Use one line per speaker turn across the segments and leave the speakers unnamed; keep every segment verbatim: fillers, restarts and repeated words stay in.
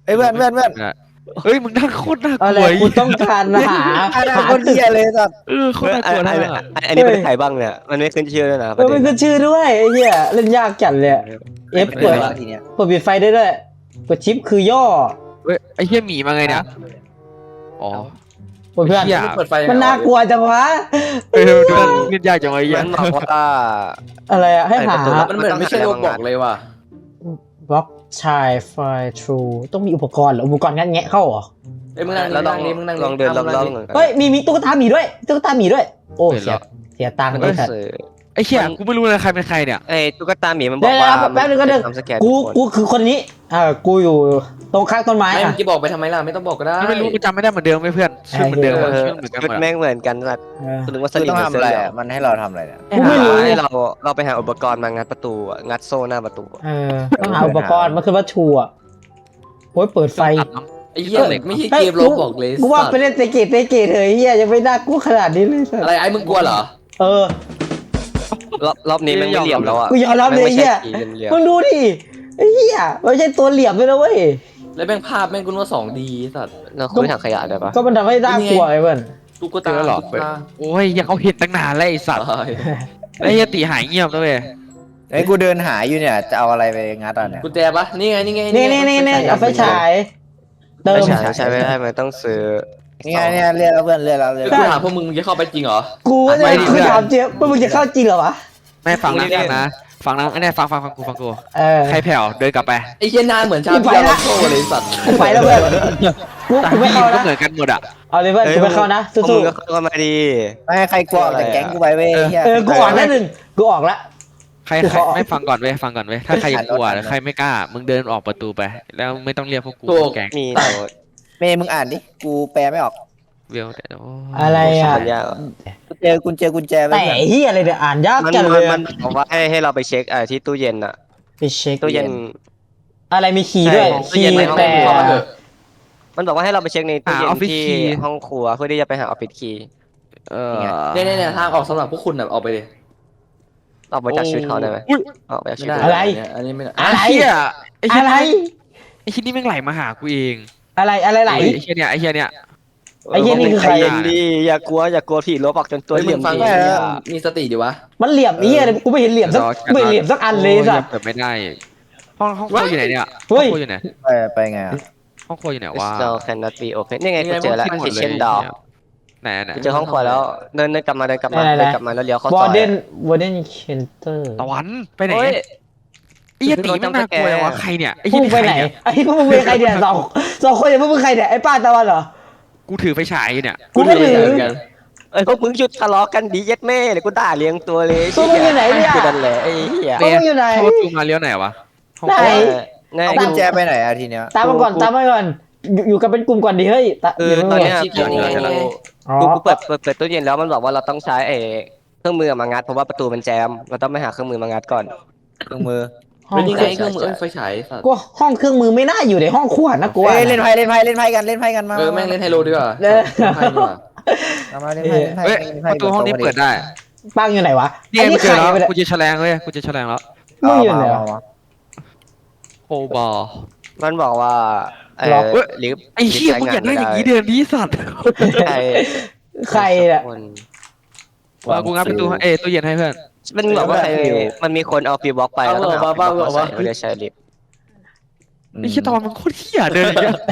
เอ้ยเพื่อนเพื่อนเพื่อน
เฮ้ยมึงนั่งโคตรน่าก
อะไร
ลัว
กูต้องการหา
อะไร
หา
คนเดียเลยสัตว์
เออโคตรน่ากลัว
อัน
นะ
อันอันนี้เป็นใครบ้างเนี่ยมันไม่ขึ้นชื่อด้วยนะ
เออมันขึ้นชื่อด้วยไอ้เหี้ยเล่นยากจัดเลยเอฟ
เปิ
เปิ
ด
ด
ทีเนี้ย
เปิดปิดไฟได้ด้วยกดชิปคือย่อ
เฮ้ยไอ้เหี้ยหมีมาไงเนี่ยอ๋อ
โอ้ยเพื่อน
เหี้ย
เปิดไฟ
มันน่ากลัวจังวะ
เออดูมันเล่นยากจังไอ้เหี้ย
มันบอกว่า
อะไรอะให้หา
มันเหมือนไม่ใช่โรบอกเลยว่ะ
บล็อกชายไฟทรูต้องมีอุปกรณ์เหรออุปกรณ์งัดแงะเข้าเหรอ
เอ้ยมึงนั่ง
แล้วล
นั่
อง
งนี่มึงนั่ง
ลองเดินรอบๆเหมือนกัน
เฮ้ยมีมีตุ๊กตาหมีด้วยตุ๊กตาหมีด้วย โอ้เสียเสียตังค์
มัน
เล
ต้อย ง
สัตว์
ซื้อ
ไอ้เหี้ยกูไม่รู้เลยใครเป็นใครเนี่ย
ไอ้ตุ๊กตาหมีมันบ
เดี๋
อย ก
ว
ว่า
แป๊บนึงก็เดี๋ยว
ทำสแกน
กูกูคือคนนี้อ่ากูอยู่ตรงข้างต้นไม้
ไม่
อ่ะ
มึงจะบอกไปทำไมล่ะไม่ต้องบอกก็ได้
ไม่รู้กูจำไม่ได้เหมือนเดิมไหมเพื่อนชื่อเหมือนเดิม
เอ
อะ
อ
ชื่อเหมือนกันห
ชุ
ม
ด
ด
แม่
อะ
งเหมือนกันสัตว์
เออ
คุณนึกว่าส
คือ
ลิ
ต้อง
ง
ทำอะไรอ่ะมันให้เราทำอะไรเนี่ย
กูไม่รู้
ให้เราเราไปหาอุปกรณ์มางัดประตูอะงัดโซ่หน้าประตู
เออต้องหาอุปกรณ์มันคือวัตถุอ่ะโอ้ยเปิดไฟ
ตัดน้ำ
ไอ้เหี้ยไม่ใช่เกมโรบอกเลย
กูว่าไปเล่นเตะเกตเตะเกตเถอะเฮียยังไม่น่ากลัวขนาดนี้เลยสัต
อะ
ว์
ไรไอ้มึงกลัวเหรอ
เออ
รอบรอบนี้แม่งไม่เหลี่ยมแล้วอ่ะ
กูยอมรับเลยไอ้เฮีย
แม่งไม่ใช่เหลี่ยม
มึงดูดิไอ้เฮียไม่ใช่ตัวเหลี่ยมด้วยนะเว้ย
แล้วแม่งภาพแม่งกูว่าสองดีสัตว์
เราคุยถังขยะได้ปะ
ก็มันทำให้น่ากลัวไอ้เพื่อน
ตุ๊ก
เจ
ตา
อหรอ
ตุ๊กตา
โอ้ยยังเขาเห็นตั้งนานแล้วไอ้สัตว์
ตาย
ไอ้เหี้ยตีหายเงียบแล้วเว้ย
ไอ้ยกูเดินหาอยู่เนี่ยจะเอาอะไรไปงัดอ่ะเนี่ย
กุญแจปะนี่ไงนี่ไง
นี่นี่นี่นี่เอาไฟฉายเติ
ไม่
ม
ใช่ใช่ไม่ได้มันต้องซื้อ
นี่ไงเนี่ยเรียกแล้วเพื่อนเรียกแล้วเรียก
คือ
แล้ว
กูถามพวกมึงมึงจะเข้าไปจริงเหรอ
กูว่าจะกูถามเจี๊ยบว่ามึงจะเข้าจริงเหรอวะ
ไม่ฟังนะฟังนะฟังนะไอ้เนี่ยฟังฟังฟังกูฟังกู
เออ
ใครแผ่วเดินกลับไป
ไอ้เหี้ยนานเหมือนชาเพียร์โลโก้เลยสัตว์
กูไปแล้วเพื่อนกู
ตา
กูไม่
พี่
เข้า
ก็
นะ
เหมือนกันหมดอ่ะ
เอาเลยเพื่อนกูไม่เข้านะ
พวก
สู้
มึงก็เข้ามาดี
ไม่ให้ใครกลัวออกจากแก๊งกูไปเว้ยไอ้เหี้ย
ๆเออกูออกแล้วหนึ่งกูออกแล้ว
ใครใครไม่ฟังก่อนเว้ยฟังก่อนเว้ยถ้าใครยังกลัวใครไม่กล้ามึงเดินออกประตูไป แล้วไม่ต้องเรียกพวกกูแกง
มีโน้ต
เมย์มึงอ่านดิกูแปลไม่ออก
เวลแต่โอ้
อะไรอ่ะ
มันยากอะ
กูเจอกุญแจกุญแจไว้
แต่
เพื่อน
เฮียอะไรเนี่ยอ่านยาก
มัน
จังเล
มัน
ย
มันบอกว่าให้ให้เราไปเช็คไอ้ที่ตู้เย็นอะ
ไปเช็ค
ตู้เย็น
อะไรมีคีย์ด้วย
ใช่
คีย์
ตู้เย็นในห้อง
แต่
เข้ามาเถอะ
มันบอกว่าให้เราไปเช็คในตู้เย็นที่ห้องครัวเพื่อที่จะไปหาออฟฟิศคีย์
เออ
เนี่ยเนี่ยเนี่ยทางออกสำหรับพวกคุณแบบออกไปเลย
ออกไปจากชีวิตเขาได้ไหม
อุ้ย
ออกไปจากชี
ไม่
วิต
ได้
เขา
อะไร
เนี่ยอันนี้ไม่ได้
อะไร
ไอ้เหี้ยไอ้เหี้ย
อะไร
ไอ้เหี้ยนี่แม่งไหลมาหากูเอง
อะไรอะไรไหล
ไอ้เหี้ยเนี่ยไอ้เหี้ยเนี่ย
ไอ้เหี้ยนี่คือใคร
ใจเย็นดีอย่ากลัวอย่ากลัวผีลบออกจนตัว
เฮ้ย
เห
มึ
ลี่ย
ง
ม
ฟัง
ดี
ดิ
อะ
มีสติดิวะ
มันเหลี่ยมไอ้เหี้ยอะไรกูไม่เห็นเหลี่ยมสักไม่เห็นเหลี่ยมสักอันเลยสัตว์
เปิดไม่ได้ห้องห้องครัวอยู่ไหนเนี่ย
เฮ้
ห้อง
ย
ครัวอยู่ไหน
ไปไปไงอ่ะ
ห้องครัวอยู่ไหนวะ
เรา cannot be open นี่ไงกูเจอแล้ว
หมดลย
kitchen door
ไหนไหน
กูเจอห้องครัวแล้วเดินเดินกลับมาเดินกลับมา
ไหนไหน
เดินกลับมาแล้วเลี้ยวเข้าว
อ
ซอ
ร์
ย
เดนวอร์เดนเคนเตอร์
ตะวันไปไหน
โอ้ย
ไอ้เหี้ยตีมันน่ากลัวเลยวะใครเนี่ยไอ้
พว
เหี้ย
กมึงไปไหนไอ้พวกมึงเป็นใครเนี่ยสองสองคนเนี่ยพวกมึงใครเนี่ยไอ้ป้าตะวันเหรอ
กูถือไฟฉายอยู่เนี่ย
กูไม่ถือ
เหมือนกัน
เอ้ยพวกมึงหยุดทะเลาะกันดีเย็ดแม่เดี๋ยวกูด่าเลี้ยงตัวเลย
พวกมึงอยู่ไหนเนี่ย
กูนั่นแหละไอ้เหี้ย
พวกมึงอยู่ไหน
เข้าประตูมาเลี้ยวไหนวะห้อง
ไหน
ครัว
ง่าย
เอากุญแจไปไหนอ่ะทีเนี้ย
ตามมาก่อนตามมาก่อนอยู่อยู่กันเป็นกลุ่มก่อนดิเฮ้ยตะ
คือ
ดี๋ยว
ตอนเนี้ย
เดี๋ยวเดี๋ยวเดี๋ยว
อ๋อ
กูกูเปิดเปิดเปิดตู้เย็นแล้วมันบอกว่าเราต้องใช้ไอ้เครื่องมือมางัดเพราะว่าประตูมันแจมเราต้องไปหาเครื่องมือมางัดก่อน
เครื่องมือ
ห้อ
เป็
ง
นยังไงเครื่องมือเอ้ยไฟฉายสัตว์
กูห้องเครื่องมือไม่น่าอยู่ในห้องขวดนะกูว่า
เอ้ยเล่นไพ่เล่นไพ่เล่นไพ่กันเล่นไพ่กันมา
เออแม่งเล่นไฮโลดีกว่า
เออ
เล่นไพ่ดีกว่า
มามาเล่นไพ่เล่นไพ่
เฮ้ย
เล่น
ป
ไพ่
ระตูห้องนี้เปิดได้
ปังอยู่ไหนวะ
นี่
ไอ้
ไงกู
นี่
เจ
ใคร
อแล้ว
ไปเนี่ย
กูเจอแฉลงเลยกูเจอแฉลงแล้ว
มึงอยู่ไหน
มาว
ะ
มา
โคบอล
มันบอกว่าเอ
ล็
อ
อก
ลิฟต์
ไอ้เหี้ยมึงอย่านั่งอย่างนี้เดินดีสัตว์
ไอ้
ใครอ่ะ
คน
ว่ากูงับประตูให้เอ้ยตู้เย็นให้เพื่อน
มันบอกว่าใครมันมีคนเอาฟีบล็อกไปแล้วต้องหาฟีบล็อกมาใส่ไม่ได้ใช้ลิฟต์
ไอ้เหี้ยตอนมันโคตรเหี้ยเดินอย่างเงี้ย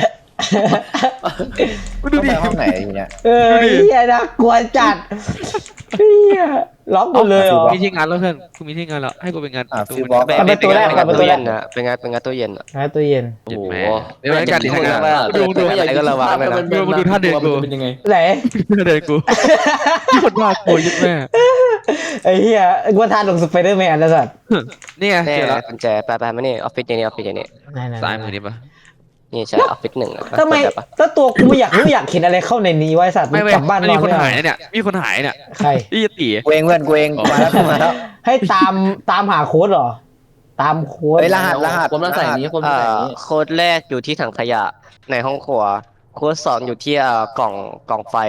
กู
ต้
ดู
อง
ดิ
ไปห้องไหนทีเนี้ย
เออเฮียน่ากลัวจัดเฮียล็อกหมดเลยเหรอ
มีที่งานแล้วเพื่อนกูมีที่งานแล้วให้กูไปงาน
อ่ะ
ประตู
ฟิวบล็อก
ไป
เอา
ไป
ประตู
ไป
แรก
งาน
ประตู
ตู้
แร
เย็
ก
นอะไปงานไปงานตู้เย็นอะ
นะตู้เย็น
โอ้โห
เดี๋ยวการที่ทำงาน
ดูดูอะไรก็ระวังเลยนะ
ดูมาดูท่าเดินกู
เป็นยังไง
ไหน
เดินกูโคตรน่ากลัวยิ่งแม่
ไอ้เฮียกูว่าทานลงสไปเดอร์แมนแล้วสัตว์
นี่ไง
แน่
เจอแล้ว
กุญแจไปไปมานี่ออฟฟิศอย่างนี้ออฟฟิศอย่างนี้
ไหนๆๆ
ซ้ายมือนี่ปะ
นี่ใช่ออฟฟิศหนึ่งอะ
ทำไม
เปิดด้ปะ
แล้วตัวกูไม่อยากรู้อยากเห็นอะไรเข้าในนี้ไว้สัตว์
ไม่ไม่
กลับบ้าน
มันมีคน
ไได้
หายเนี่ยมีคนหายเนี่ย
ใคร
นี่ตี
กูเองเพื่อนกูเองมาแล้วมาแล้ว
ให้ตามตามหาโค้ดเหรอ ตามโค้ด
เฮ้ยรหัสรหัส
ผมต้องใส่นี้ผมต้
เอ่
องใส่
อ
นี้
โค้ดแรกอยู่ที่ถังขยะในห้องครัวโค้ดสองอยู่ที่เอ่อกล่องกล่องไฟอ่ะ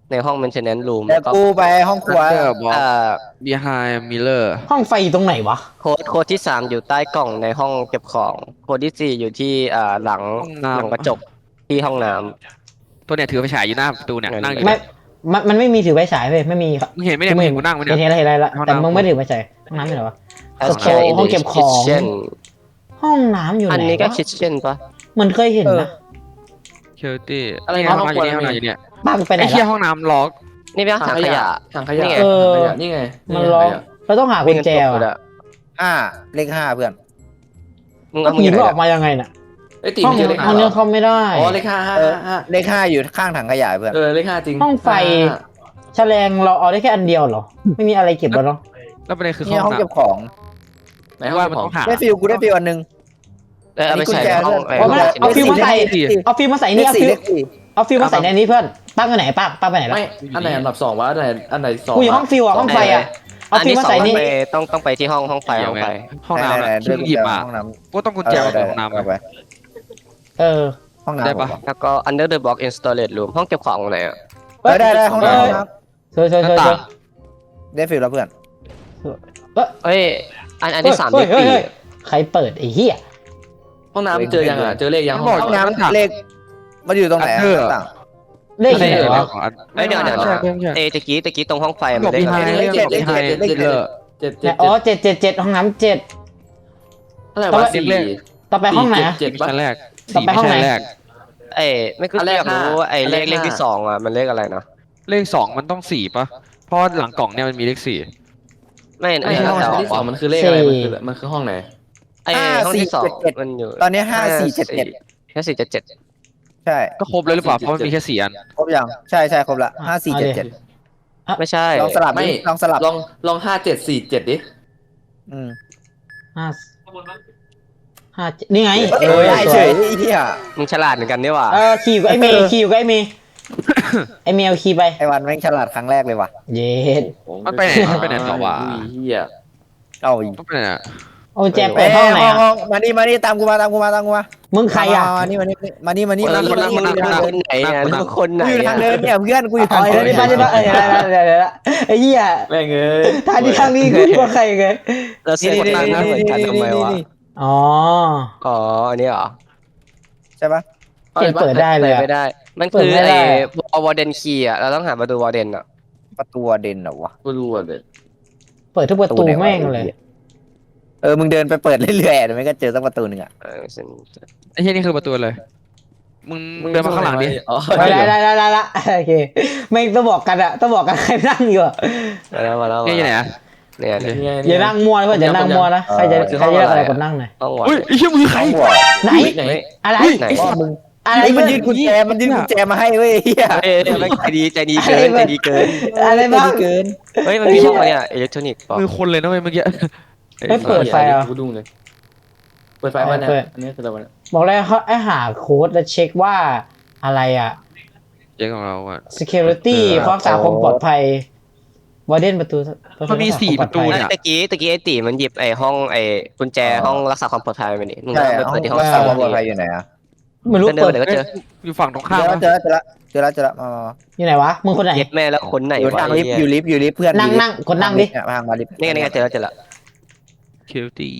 ในห้อง maintenance room
แต่
แล้วก็
กูไปห้องครัว
เออบอ
เอ่อ
behind mirror
ห้องไฟอยู่ตรงไหนวะ
โค้ดโค้ดที่สามอยู่ใต้กล่องในห้องเก็บของโค้ดที่สี่อยู่ที่อ่าหลัง
ห้องน้ำ
หลังกระจกที่ห้องน้ำ
ตัวเนี่ยถือไฟฉายอยู่หน้าประตูเนี่ย
เออ
นั่งอยู่
ไม่
เนี่ย
มันมันไม่มีถือไฟฉายเว้ยไม่มีครับ
มึงเห็นไหมเนี่ยมึงเห็นกูนั่งไหม
เห็น
เนี่ย
เห็นอะไรเห็นอะไรละ
ห้อง
แต่
น้ำ
มึงไม่ถือไฟฉายห้องน้ำอยู่ไหนวะ
As
โชว์
in
ห้องเก็บของ
kitchen
ห้องน้ำอยู่ไหน
อันนี้ก็
วะ
kitchen ปะ
เหมือนเคยเห็น
เออ
นะ
เชลตี้
อะไร
เนี่ย
นะ
ห้อง
ห้อง
น้ำอยู่
ครัว
เนี่ยห้องน้ำอยู่เนี่ย
บ้านมึงไปไหน
ไอ้เหี้ย
ละ
ห้องน้ำล็อก
นี่เป็นถังขยะ
ถังขยะ
นี่ไง
ถัง
เออ
ขยะนี่ไง
มันล็อกเราต้องหากุญแจ
วิ่งกันตก
ว่ะ
เลยอะ
ห้าเลขห้าเพื่อน
มึง
ก็
เอามึง
ผี
อยู่
มัน
ไหน
ออกมายังไงน่ะ
ไอ้ยตี
ห้อง
เจอเลข
ห้
ห้า
อง
เหร
นี้
อ
เข้าไม่ได้
อ๋อเลขห้าห้า
เออ
ห้า
เลขห้าอยู่ข้างถังขยะเพื่อน
เออเลขห้าจริง
ห้องไฟ
ห้า
แฉลงเราเอาได้แค่อันเดียวเหรอ ไม่มีอะไรเก็บแล้วเนาะ
แล้วประเด็นคือ
เนี่ย
ห้
ห้
อ
อง ง
น้
เก็บของ
ไหน
ำ
ห้อง
ว่า
เก็บ
มัน
ขอ
ต้อง งหา
ได้ฟิลกูได้ฟิลอันหนึง
เออเอาไปใส่ในห้อง
อันนี้
ไอ้
กุญแจ
เอาฟิลมาใส่
เลขสี่
เอาฟิลมาใส่
เล
นี่
ข
เอา
สี่
ฟิล
เลขสี่
เอาฟิลมาใส่ในนี้เพื่อนป้าไปไหนป้าป้าไปไหนละ
ไม่อันไหนอันดับสองวะอันไหนอันไหนสอง
กูอยู่ห้องฟิลอะห้องไฟอะเอา
อัน
ฟิล
นี้
มา
สอ
ใส่
ง
นี่
ไปต้องต้องไปที่ห้องห้องไฟห้องไฟ
ห้องน้ำ
ไห
อะ
ๆๆ
ที่มึงหยิบมา
ห้องน้ำ
กูต้องกุญแจมาจากห้องน้ำ
เอา
อะ
ไป
เออ
ห้องน้ำ
ได้ปะ
แล้วก็ under the box in storage room ห้องเก็บของไหนอ่ะ
เออได้ได้ห้องน้ำห้องน้
เชิญเชิญ
ห
เชิ
น้า
ญ
ต่าง
ำได้ฟิลแล้วเพื่อน
เอ้ยอันอันที่สาม
เฮ้
เด็
ย
ก
เฮ้ย
ปี
เฮ้ยใครเปิดไอ้เหี้ย
ห้องน้ำเจอยังอ่ะเจอเลขยัง
ห้
ห้
อ
อง ง
ห้อง
น้ำ
น้ำเลขมันอยู่ตรงไหนอะ
อันเดอร์
ต่าง
เลขอยู่ไหนวะ
เอ้ยเดี๋ยวเดี๋ยว
ใช่
เดี๋ยว
ใช่ใช่
เอยตะกี้ตะกี้ตรงห้องไฟ
บ
มั
อน ก
เลข
มี
อะไร
ไฮ
เลขเจ็ดเลข
ไฮ
เจ็ดเลข
เจ
เจ็ด
อเจ็ดเจ็
เนี่ย
ด
อ๋อเจ็ดเจ็ดเจ็ดห้องน้ำเจ็ด
เท่าไหร่
ต่อ
วะ
ไป
สี่
ต่อไปห้องไหนอะ
เจ็ด
มิ
ปะ
ชั้นแรก
ต่อ
สี่
ไป
ไม่
ห้อง
ใช่
ไหน
แรก
เอ้ยไม่คือ
อันแรก
อยากรู้
ห้า
ว่าไอ้เลข
อันแรก
เลขที่
ห้า
สองอ่ะมันเลขอะไรนะ
เลขสองมันต้องสี่ปะเพราะหลังกล่องเนี่ยมันมีเลขสี่
ไม่
ไอ้
ไม่
ห้อง
แต่
ที่สองมันคือเลขอะไรมันคือมันคือห้องไหน
ไอ้ห้องที่สองมันอยู่
ตอนนี้ห้าสี่เจ็ดเจ็ด
ห้าสี่เจ็ดเจ็ด
ใช่
ก็ครบเลยหรือเปล่าเพราะมันมีแค่สี่อัน
ครบยังใช่ใช่ครบละห้าสี่เจ็ดเจ็ด
ไม่ใช่
ลองสลับ
ไม่
ดิลองสลับ
ลองลองห้าเจ็ดสี่เจ็ดดิ
อืม
ห้าห้าเจ็ดนี่ไง
เอ้ยได้เฉยไอ้เหี้ย
มึงฉลาดเหมือนกันนี่หว่า
เออขี่อยู่กับไอ้เมย์ขี่อยู่กับไอ้เมย์ไอ้เมย์เอาขี่ไป
ไอ้วันแม่งฉลาดครั้งแรกเลยว่ะ
เย็ด
มันไปไหนมันไปไหนต่อวะ
อุ้ยเฮีย
เอาอีก
ต้องไปไหนอะ
เอากุญแจเปิดห้องไหนอะ
มานี่มานี่ตามกูมาตามกูมาตามกูมา
มึงใครอะ
มานี่มานี่มานี่มานี่
คน
มา
ละ
นี่
คน
มา
ละ
นี่
คนละคนไหนเนี่ยแล้วคนไหน
กูอยู่ทางเดินเนี่ยเพื่อนกูอยู่
อ๋
ทา
อง เดี๋
เดิ
ยวน นี่ป้าจะป้าเออเดี๋ยวเดี๋ยวเดี๋ยวไอ้เหี้ย
แม่งเอ้ย
ทางนี้ทางนี้คุณกว่าใครไง
เราเสียคนตั้งหน้าเหมือนกันทำไมวะ
อ๋อ
อ๋ออันนี้เหรอ
ใช่ปะ
เขียนเปิดได้เลยอะ
ไม่ได้ มัน
เปิ
คื
ด
อ
ไม่ได้
ไอ้วอร์เดนคีย์อ่ะเราต้องหาประตูวอร์เดนอ่ะ
ประตูเด่นเหรอวะ
กูรู้อ่ะเด็ด
เปิดทุกประตูแม่งเลย
เออมึงเดินไปเปิดเรื่อยๆเดี๋ยวมันก็เจอสักประตูหนึ่งอ่ะ
เออฉัน
ไอ้เหี้ยนี่คือประตูเลยมึงมึงเดินมาข้างหลังดิ
อ๋อ
ได้ได้ได้ได้ละโอเคไม่ต้องบอกกันอะต้องบอกกันใครนั่งอยู่อะ
มาแล้วมาแล้ว
เนี่ยอยู่ไหนอะ
เนี่ยเนี่ย
อย่านั่งมัวนะเพื่อนอย่านั่งมัวนะใครจะใครจะเลือกอะไรกดนั่งหน่อย
ห้องวอร์
อุ้ย
เดน
ไอ้เหี้ยมือใคร
ต้องหัว
ไหน
ไหน
อะไร
ไหน
พ่อมึง
อะไร
ไอ้มัน
เพื่
ยื
อน
นกุญแจมันยืนกุญแจมาให้เว้ยเฮีย
เอ้ยไม่ใจดีใจดีเกินใจดีเกิน
อะไรบ้าง
เกิน
เฮ้ยมันมีห้องอะไรอ่ะอิเล็กทรอนิกส์ป่ะ
มือคนเลยนะเว้ยเมื่อกี้
ไม่เปิดไฟอ่ะ
กูดูเลยเปิดไฟมาเนี่ยอันนี้คืออะไรวะเนี่ย
บอกเลยเขาไอหาโค้ดแล้วเช็คว่าอะไรอ่ะ
เจ๊ของเราอะ
security ความรักษาความปลอดภัย วอร์เดนประตู
มันมีสี่ประตูเนี่ย
ตะกี้ตะกี้ไอ้ตีมันหยิบไอ้ห้องไอ้กุญแจห้องรักษาความปลอดภัยไปนี่มึง
ใช่
ไป
ห้อ
เปิ
ง
ดที่ห้อง
รัก
สา
ษาม ความปลอดภัยอยู่ไหนอ่ะ
ไม่รู้
เดิ
เปิ
น
ด
เดี๋ยวก็เจอ
อยู่ฝั่งตรง
เจ
ข้าม
อ
นะ
เจอเจอละเจอละเจอละมามา
อยู่ไหนวะมึงคนไหน
เย็ดแม่แล้วคนไหน
อยู่
วะ
ทาง
ไอ้
ลิฟต์
เหี้ย
อยู่ลิฟต์อยู่ลิฟต์เพื่อน
นั่งนั่งกดนั่งดิ
เนี่ยทางมาลิฟต์
นี่ไงนี่ไงเจอแล้วเจอแล้ว
คิวตี้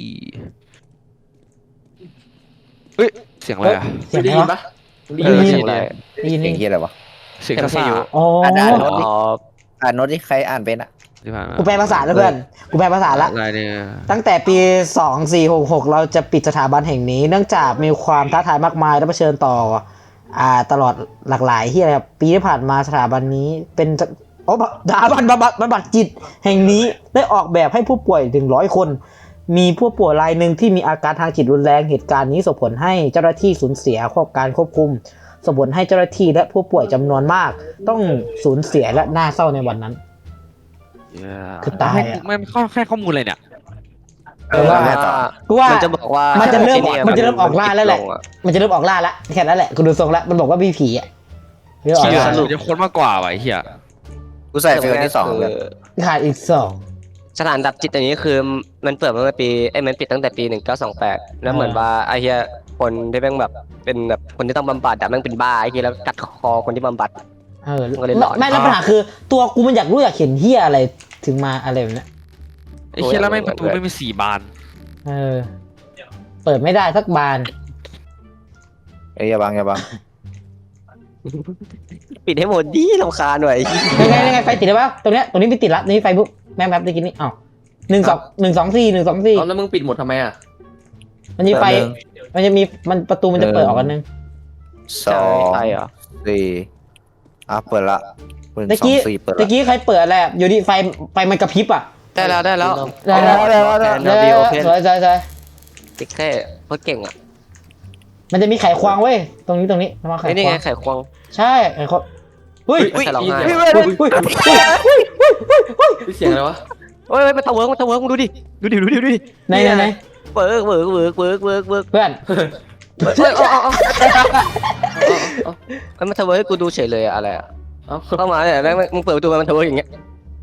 เฮ้ยเสียงอะไรอะ
เสียง
ได้
อะไร
ยิน
วะ
ปะ
เออ
เสียงอะไร
ได้ยิน
เสียงเฮียอะไรวะ
เสียงกระซ่า
อ๋อ
อ่านได้เหร
อ๋อ
อ่านโน้ตที่ใครอ่านเป็นอ่ะ
ที่ผ่านมา
กูแปลภาษาแล้วเพื่อนกูแปลภาษาละ
อะไรเนี่ย
ตั้งแต่ปี สองสี่หกหก เราจะปิดสถาบันแห่งนี้ เนื่องจากมีความท้าทายมากมายและเผชิญต่ออ่าตลอดหลากหลายที่อะไรครับปีที่ผ่านมาสถาบันนี้เป็นโอ้สถาบันบำบัดบำบัดจิตแห่งนี้ได้ออกแบบให้ผู้ป่วยถึงร้อยคน มีผู้ป่วยรายหนึ่งที่มีอาการทางจิตรุนแรงเหตุการณ์นี้ส่งผลให้เจ้าหน้าที่สูญเสียควบการควบคุมส่งผลให้เจ้าหน้าที่และผู้ป่วยจำนวนมาก ต้องสูญเสียและน่าเศร้าในวันนั้น คือตายอะ
ไม่ไม่ข้อแค่ข้อมูลเลยเนี่ย
เออว่าไงต่อ
กูว่า
มันจะบอกว่า
มันจะเริ่ม
ที่ย
มันจะเริ่มออกล่าแล้วแหละ
มันปิดงอ
มันจะเริ่มออกล่าแล้วแค่นั้นแหละกูดูทรงแล้วมันบอกว่ามีผีอ่ะเรียกออก
เชี่ย
ล่า
สรุปจะค้นมากกว่าว่ะไอ้เหี้ย
กูใส่เฟลที่สองเลย
ขาดอีกสอง
สถานดับจิตอันนี้คือมันเปิดมาเมื่อปีไอ้ยมันปิดตั้งแต่ปีหนึ่งเก้าสองแปดแล้วเหมือนว่าไอ้เหี้ยคนที่แม่งแบบเป็นแบบคนที่ต้องบำบัดอะแม่งเป็นบ้าไอ้เหี้ยแล้วกัดคอคนที่บำบัด
อเออ
มันก็เลยหลอน
ไม่แล้วปัญหาคือตัวกูมันอยากรู้อยากเห็นเฮียอะไรถึงมาอะไรแบบเนี้ย
ไอ้เชี่ยแล้วแม่งประตูไม่มีสี่บาน
เออ เปิดไม่ได้สักบาน
เอ้ยอย่าบังอย่าบัง
ปิดให้หมดดิรำคาญหน่อย
ยังไงยังไงไฟติดได้ปะตรงเนี้ยตรงนี้ไม่ติดละนี่ไฟบุ๊บแม่งแบบตะกี้นี่อ้าวหนึ่งสองหนึ่งสองสี่หนึ่งสองสี่
เอาแล้วมึงปิดหมดทำไมอ่ะ
มันมีไฟมันจะมีมันประตูมันจะเปิดออกกันนึง
สอง
ใช่เหรอ
สี่อ่ะเปิดละเปิด
ตะ
สอง
กี้
สี่เปิด
ตะ
ละ
กี้ใครเปิดอะไรอะอยู่ดีไฟไฟมันกระพริบอ่ะ
ได้แล้วได้แล้ว
ได้แล้วได้แล้วได้แล้ว
แอนนาบีโอเพน
สวยสวยสวย
ติ๊กแค่เพราะเก่งอ่ะ
มันจะมีไขควงเว้ยตรงนี้ตรงนี้มาไข
ไอ้นี่
คว
ไง
ง
ไข่ควง
ใช่ไขควงเฮ้ย
อุ้ยใครร้องไห้
เฮ้ยเฮ้ยเฮ้ยเฮ้ยเฮ้ยเฮ้ยเฮ้ย
เสียงอะไรวะ
เฮ้ยมันตะเวิร์กมันตะเวิร์กมึงดูดิดูดิดูดิดูดิ
ไหนไหนไหน
เวิร์กเวิร์กเวิร์กเวิร์กเวิร์กเวิร์ก
เพื่อน
เฮ้ยเอาเอาเอาเอามันตะเวิร์กให้กูดูเฉยเลยอะอะไรอะ
เอา
เข้ามาเนี่ยแล้วมึงเปิดประตูมามันตะเวิร์กอย่างเงี้ย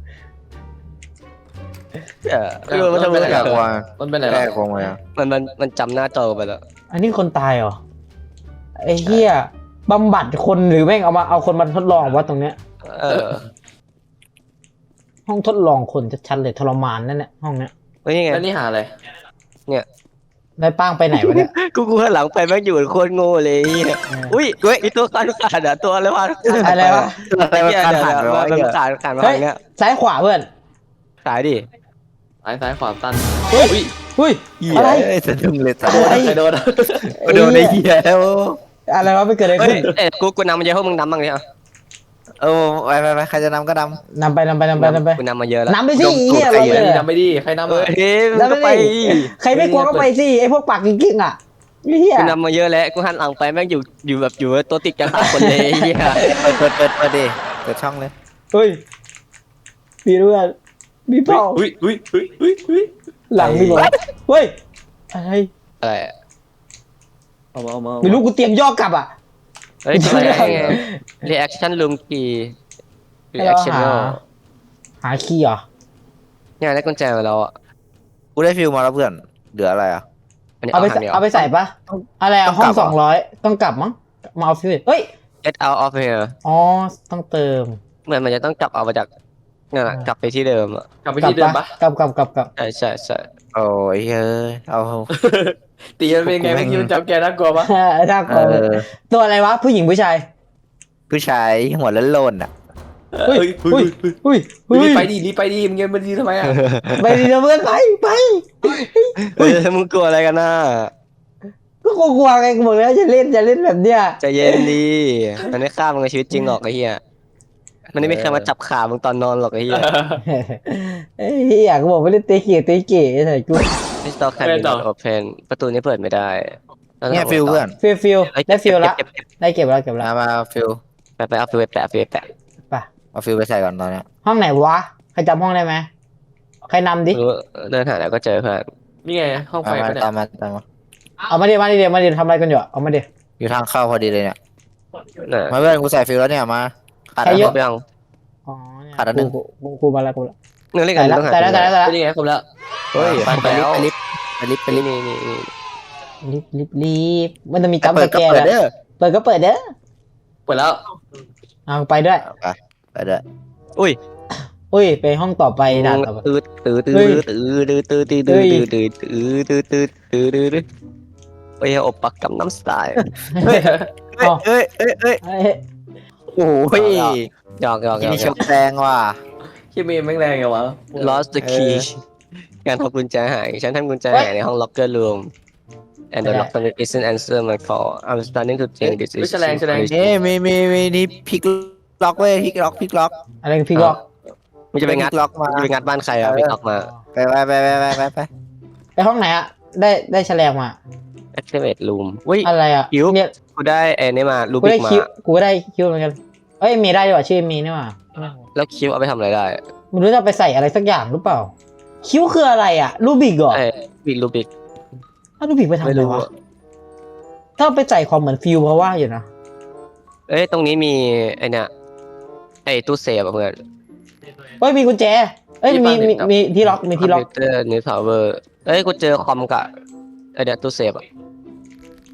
เออเออมันตะเวิร์ก
แก้
อะ
ควง
มันเป็นอะไร
แก้
วะ
ควงมา
มันมันมันจำหน้าจอไปแล้ว
อันนี้คนตายเหรอไอ้เหี้ยบำบัดคนหรือแม่งเอามาเอาคนมาทดลองวะตรงเนี้ย
เออ
ห้องทดลองคนชัดๆเลยทรมานนั่นแหละห้องเนี้ย
เฮ้ยยังไง
แล้วนี่หาอะไร
ได้ป้างไปไหนวะเนี่ย
กูกูหันหลังไปแม่งอยู่โคตรโง่เลยเหี้ยอุ้ยมีตัวขาดขาดอะตัวอะไรวะ
อะไรวะ
อะไรมันการผ่านไป
มั
วะ
น
ไอ้เหี้ย
ขาดขาดมา
เฮ้ย
อย่างเงี้ย
ซ้ายขวาเพื่อน
ขายดิ
ซ้ายซ้ายขวาตัน
เฮ้ย
อุ้ย
เฮ้ย
เหี้ย
อะไร
เอ้ยสะดุ้งเลยสัตว์
อะไร
ใครโดนอะ
โดนไอ้เหี้ยแล้ว
อะไรวะไม่เกิดอะไร
เฮ้
ขึ้
ย
น
เอ้ยกูกูนำมาเยอะพวกมึงนำบ้างดิอ่ะ
เออไปไปไปใครจะนำก็น
นำไปนำไปนำไปนำไป
กูนำมาเยอะแล้ว
นำไปสิเหี้ย
ดมตูด
เรา
ใคร
เลย
นำไปดิใครนำ
เฮ้
อ่ะ
ยมึง
นำ
ก็
ไป
ไป
ดิใครไม่กลัวก็ไปสิไอ้พวกปากกิ๊กๆอ่ะเหี้ย
กูนำมาเยอะแล้วกูหันหลังไปแม่งอยู่อยู่แบบอยู่ตัวติดกันสามคนเลยไอ้เหี้ย
ำเปิดเปิดเปิดเปิดดิเปิดช่องเลย
เฮ้ยมีเพื่อนมีเปล่า
อุ้ยอุ้ยอุ้ยอุ้ยอุ้ย
หลังมีบอกเฮ้ยอะไร
อะไร
เอามาเอามา
ไม่รู้กูเตรียมย่อกลับอ่ะ
เฮ้ยอะไรไง reaction room key
ให้เรา
reaction
หา หาคีย์เหรอ
เนี่ยได้กุญแจมาแล้วอ่ะ
กูได้ฟิลมาแล้วเพื่อนเหลืออะไรอ่ะ
อันนี้
เอา
เอา
ไป
ทางเดียว
เอาไปใส่ปะอะไรอะ
ต้อง
ห้อก
ลั
ง
บเหรอ
สองร้อยต้องกลับมั้งมาเอาฟิวเฮ้ย
get out of here
อ๋อต้องเติม
เหมือนมันจะต้องกลับเอามาจากนั่นแหละกลับไปที่เดิมอ่ะ
กลับไป
กลับ
ที่เดิม
ปะ
ปะ
กลับกลับกลับกลับ
ใช่ใช่ใช่
โอ้ยเฮ้ยเอา
ตีมันเป็นไงเมื่อกี้มันจับแกน่ากลัวปะ
น่าก
เอ
ลัว
อ
ตัวอะไรวะผู้หญิงผู้ชาย
ผู้ชายหัวล้นโลนอ่ะ
เฮ้ย
เฮ้ย
เฮ้ย
เฮ้ย
เฮ้ย
รีบ
เฮ้ย
ไปดิรีบไปดิมึงยังมาดีทำไมอ่ะ
ไปดินะเพื่อนไปไป
เฮ้ยมึงกลัวอะไรกันน่ะ
ก็กลัวๆไงกูบอกแล้วอย่าเล่นอย่าเล่นแบบเนี้ย
ใจเย็นดีมันไม่ฆ่ามึงในชีวิตจริงหรอกไอ้เหี้ยมันไม่มีใครมาจับขามึงตอนนอนหรอกไอ้เหี้ย
เฮ้ยอยากบอกไม่เล่นเตะเกียเตะเก๋ใส่กู
มิสเตอร์แคมป์โอเพนประตูนี้เปิดไม่ได้
เนี่ยฟิลเพื่อน
ฟิลฟิล
เอ้ย
ได้ฟิลละ
เก็บเก็บ
ได้เก็บแล้วเก็บแล้ว
มามาฟิล
เก็บไปไปเอาฟิวไปแปะเอาฟิวไปแปะ
ไป
เอาฟิลไปใส่ก่อนตอนเนี้ย
ห้องไหนวะใครจำห้องได้ไหมใครนำดิ
ไม่รู้เดินหาแล้วก็เจอเพื่อน
นี่ไงห้องไฟ
มามา
ปะเนี่ย
ตามมาตามมา
เอามาดิมาดิเดี๋ยวมาดิทำอะไรกันอยู่อะเอามาดิ
อยู่ทางเข้าพอดีเลยเนี่ย
น่ะ
มาเพื่อนกูใส่ฟิลแล้วเนี่ยมาขาด
ใคร
อัน
เย
นึ
อะ
ง
ไปยัง
อ๋อเนี่ย
ขาดอันหนึ่ง
กูกูกูมาแล้วกูแล้ว
เนื้อเรียกกั
ใส่
น
แล้ว
ต้องหา
ใส่แล้วใส่แล้วใส่แล้ว
นี่ไงครบแล้ว
เฮ้ย
ไป
ไป
ไปลิ
แล้ว
ฟต์ไปลิฟต์ไปลิฟต์ไปลิฟต์
นี่นี่นี่
รีบรีบรีบมันจะมีจัมป์
เปิ
ส
ดก็
แกน
เปิด
อะ
เด้อ
เปิดก็เปิดเด้อ
เปิดแล้ว
เอาไปด้วย
ไปไปเด้อ
อุ้ย
อุ้ยไปห้องต่อไปด่านต่อไป
ตื้อตื้อตื้อ
เฮ้ย
ตื้อตื้อตื้อตื้อตื้อตื้อตื้อตื้อตื้อตื้อตื้อตื้อไปเอาปักกับน้ำสไตล์
เฮ้ยเฮ้ยเฮ้ยเฮ้ย
เอ้ย
โอ้ย
หยอกหยอกหย
กิน
อก
นี่ชกแดงว่ะ
คิดมีแม่งแรงไงวะ
lost the
เอ
key
อ
การทำกุญแจหายฉันทำกุญแจหายในห้อง locker room and the locker isn't answer my call I'm starting to think this is
แฉลงแฉลง
นี่มีมีมีนี่พลิกล็อกเว้ยพลิกล็อกพลิกล็อก
อะไรกันพี่ก็
มันจะไปงัด
พลิกล็อกมา
จะไปงัดบ้านใครอ่ะไปล็อกมา
ไปไปไปไปไปไปไป
ไปห้องไหนอะได้ได้แฉลงมา
activate room อุ้ย
อะไรอะ
คิว
เนี่ย
กูได้ไอ้นี่มาลู
กู
บิ
ได้
กมา
คิวกูก็ได้คิวเหมือนกันเอ้ยเมย์ได้ดีกว่าชื่อเมย์นี่หว่า
แล้วคิวเอาไปทำอะไรได้
ไม่รู้จะเอาไปใส่อะไรสักอย่างหรือเปล่า คิ้วคืออะไรอะรูบิกเหรอ
ไอ้บิกลูบิก
ถ้ารูบิกไปทำ
ไม่
อะไร
รู้
วะ
อะ
ถ้าเอาไปใส่ความเหมือนฟิวเพราะว่าอยู่นะ
เอ้ยตรงนี้มีไอ้เนี่ยไอ้ตู้เซฟอะเพื่อน
เอ้ยมีกุญแจเอ้ยมีมีมีที่ล็อกมีที่ล็อก
คอมพิวเตอร์นิวทาวเวอร์เอ้ยกูเจอคอมกับไอ้เนี่ยตู้เซฟอะ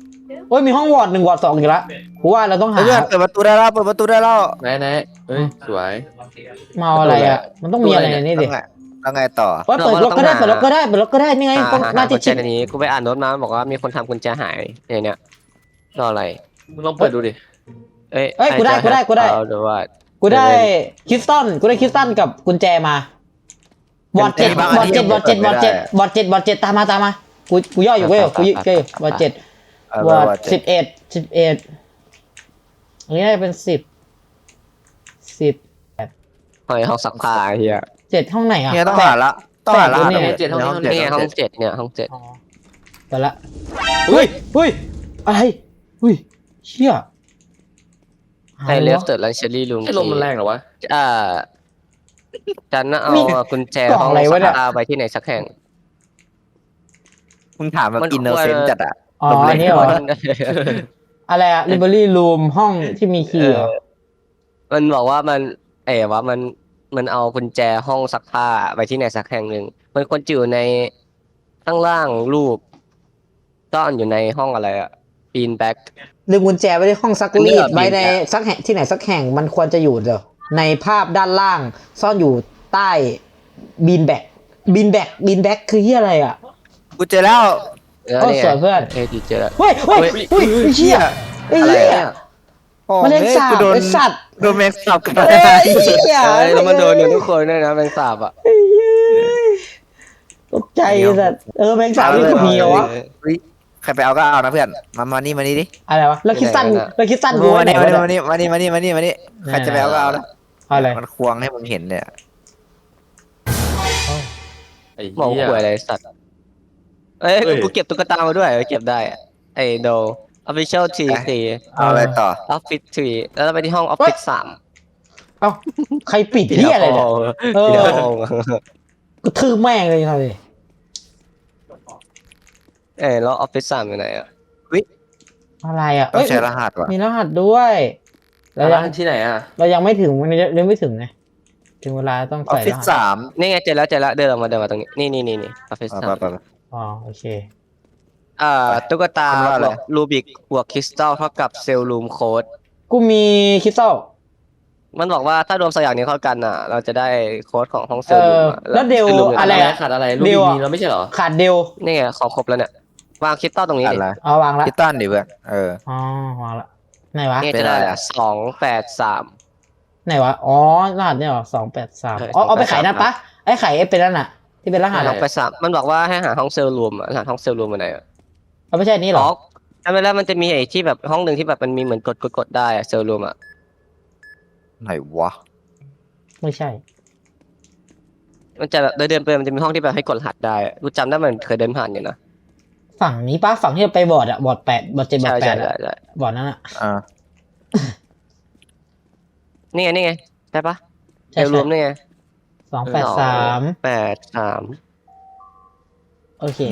โอ้ยมีห้องวอร์ดหนึ่งวอร์ดสองอีกแล้วกูว่าเราต้องหา
เพื่อนเปิดประตูได้แล้วเปิดประตูได้แล้ว
ไหนไหนเฮ้ยสวย
เมาอะไรอ่ะมันต้องมีอะไรในนี้ดิ
แล้วไงแล้วไงต่อ
ว่าเปิดรถก็ได้เปิดรถก็ได้เปิดรถก็ได้นี่ไง
อ่า
ต้อง
หา
หน้า
กุ
ที่
ญแจ
ชิด
ในนี้กูไปอ่านโน้ตมาบอกว่ามีคนทำกุญแจหายเนี่ยเนี่ยรออะไร
มึงลองเปิดดูดิ
เอ้ย
เอ้ยกูได้กูได้กูได้
เอาดูว่า
กูได้คริสตัลกูได้คริสตัลกับกุญแจมาบอดเจ็ดบอดเจ็ดบอดเจ็ดบอดเจ็ดบอดเจ็ดบอดเจ็ดตามมาตามมากูกูย่ออยู่กูย่อกูย่ออยู่บอดเจ็ด
เออ
วอร์ด
วอร์ดเจ็ด
สิบเอ็ดสิบเอ็ดอันนี้ได้เป็นสิบสิบ
หอยห้องซักผ้าเฮีย
เจ็ดห้องไหนอ่ะ
เนี่ยต้องหาละต้องหาละ
แปดเนี่ย
เจ็ดห้องนี้ห้อง
นี่
นี้
ไงห้องเจ็ดเนี่ยห้องเจ็ด
อ๋อไปละเฮ้ยเฮ้ยอะไรเฮ้ยเชี่ย
ไอเลฟเติร์ดและเชอรี่ลุง
ไอ้ลมมันแรงเหรอวะ
อ่าจันน่ะเอากุญแจ
กล่อง
ห้อง
อะไร
ซั
วะ
ก
เนี่ย
ผ้าไปที่ไหนสักแห่ง
มึงถามแบบ
มัน
อินโนเซนต์จัดอะ
อ๋ออันนี้เหรออะไรอะ library room ห้องที่มีคีย์เหรอ
มันบอกว่ามันเอ๋ว่ามันมันเอากุญแจห้องซักผ้าไปที่ไหนสักแห่งหนึ่งมันควรจะอยู่ในข้างล่างรูปซ่อนอยู่ในห้องอะไรอะปีนแบ็ก
ลืมกุญแจไว้ในห้องซัก
อันนี้
รี
เหร
ด
อ
ไว้ใน
บินอะ
สักแห่งที่ไหนสักแห่งมันควรจะอยู่เดี๋ยวในภาพด้านล่าง ซ่อนอยู่ใต้บีนแบกบีนแบกบีนแบกคือที่อะไรอ่ะ
กูเจอแล้ว
เออ
โอ้
เนี่ย
สวยเพื่อน
เอ้ยดีเจอแล้ว
เฮ้ยเฮ้ยเฮ้ยเชี่ยไอ้
อะไร
เหี้ย
อะ
มันเล่นสาบ
กูโดน
ไอ้สัตว์
โดนแม็กซ์สับกัน
เฮ้ยเหี้ย
เอ้ยแล้วมันโดนอยู่ทุกคนด้วยนะแมงสาบอ่ะ
ไอ้เหี้ยตกใจไอ้สัตว์เออแมงสาบนี่ก็มีเหรอวะ
เฮ้ยใครไปเอาก็เอานะเพื่อนมามานี่มานี่ดิ
อะไรวะแล้วคิดสั้นแล้วคิดสั้นกู
มา
ไว้ไหน
นี่
วะ
มา
เนี่ย
นี่มานี่มานี่มานี่มานี่ใครจะไปเอาก็เอานะ
อะไร
มันควงให้มึงเห็นเนี่ย
ไอ้
มอง
เหี้ย
ป่วยอะไรสัตว์เอ้ย
เฮ้ย
กูเก็บตุ๊กตามาด้วยเก็บได้อะไอ้โด official ที สี่
เอาอะไรต่อ
office ทีแล้วเราไปที่ห้อง office สาม
เอ้าใครปิดเหี้ยอะไรเนี่ย เออ
เดี๋ยวห้อง
กูทืบแม่งเลยครับดิ
เอ้ยแล้ว office สามอยู่ไหนอ่ะ
อะไรอ่ะ
ต้อง
เอ้ย
ใช้รหัสว่ะ
มีรหัสด้วยเรายัง
ร้านที่ไหนอ่ะ
เรายังไม่ถึงมันยังไม่ถึงไงถึงเวลาต้อง
ออฟ
ใส่
ฟิ
ร
ศ
หัส
สาม
นี่ไงเจอแล้วเจอแล้วเดินออกมาเดินมาตรงนี้นี่นี่นี่นี่ office
ไป
สาม
ไปไป
อ๋อโอเค
อ่าตุ๊กตา
มันว่าอะไร
ลูบิกบวกคริสตัลเท่ากับเซลล์รูมโค้ด
กูมีคริสตัล
มันบอกว่าถ้ารวมสองอย่างนี้เข้ากันอ่ะ เราจะได้โค้ดของห้องเซล
เอ
ล์รู
อ
ม
แล้วเดล
ซลล์รูม
อะไร
อะไร
อะ
ขาดอะไรลูก
เดี๋ยวอะ
มีแล้วไม่ใช่เหรอ
ขาดเดล
นี่ไงของครบแล้วเนี่ยวางคริสตัลตรงนี้
อะ
ดิ
ไร
เอาวางละ
พิตันดิเพื่อนเออ
อ๋อวางละไหนวะ
นี่
เป็
จะ
น
ได้
อะไรอะ
สองแปดสาม
ไหนวะอ๋อรหัสเนี่ยเหรอสองแปดสาม
ใช่
อ๋อเอาไป
สองแปดสาม
ขายนั่นปะไอ้ไข่ไอ้เป็นนั่นน่ะ ที่เป็นรหัส
สองแปดสามมันบอกว่าให้หาห้องเซลล์รูมอ่ะหาห้องเซลล์รูมมาไหนอ่ะ
เอาไม่ใช่อันนี้เหร
อ๋
อ
อจำไม่ได้มันจะมีไอ้ที่แบบห้องหนึ่งที่แบบมันมีเหมือนกดกดกดได้อะเซลล์รูมอ่ะ
ไหนวะ
ไม่ใช่
มันจะแบบเดินเดินไปมันจะมีห้องที่แบบให้กดรหัสได้อะกูจำได้มันเคยเดินผ่านอยู่นะ
ฝั่งนี้ปะฝั่งที่เราไปบอร์ดอะบอร์ดแปดบอร์ดเจ็ดบอ
ใช่
ร์ดแป
ใช่
ด
ใช่
อะ
ใช่
บอร์ดนั้นอะ
อ่า
นี่ไงนี่ไงใช่ปะเซ
ใช่
ลล์รูมนี่ไง
สองแปดสาม
แปดสาม
โอเค